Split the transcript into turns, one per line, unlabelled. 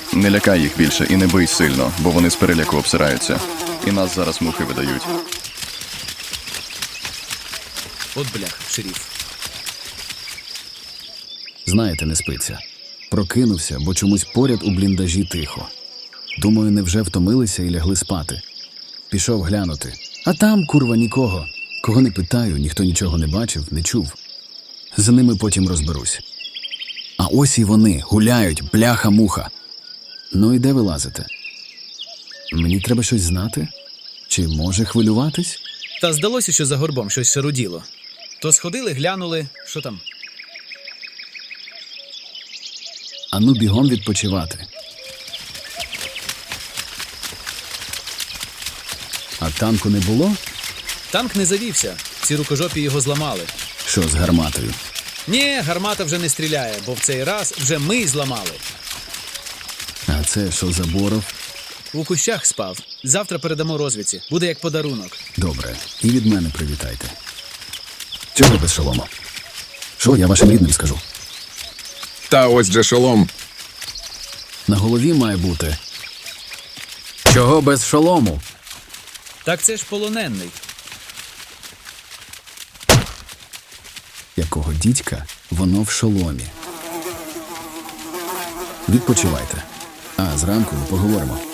Не лякай їх більше і не бий сильно, бо вони з переляку обсираються. І нас зараз мухи видають.
От блях, шеріф.
Знаєте, не спиться. Прокинувся, бо чомусь поряд у бліндажі тихо. Думаю, невже втомилися і лягли спати. Пішов глянути. А там, курва, нікого. Кого не питаю, ніхто нічого не бачив, не чув. За ними потім розберусь. А ось і вони, гуляють, бляха-муха. Ну і де ви лазите? Мені треба щось знати? Чи може хвилюватись?
Та здалося, що за горбом щось шаруділо. То сходили, глянули, що там?
Ану бігом відпочивати. А танку не було?
Танк не завівся, ці рукожопі його зламали.
Що з гарматою?
Ні, гармата вже не стріляє, бо в цей раз вже ми зламали.
А це що за боров?
У кущах спав. Завтра передамо розвідці. Буде як подарунок.
Добре, і від мене привітайте. Чого без шолома? Що я вашим рідним скажу?
Та ось же шолом.
На голові має бути. Чого без шолому?
Так це ж полонений.
Якого дідька, воно в шоломі. Відпочивайте. А зранку поговоримо.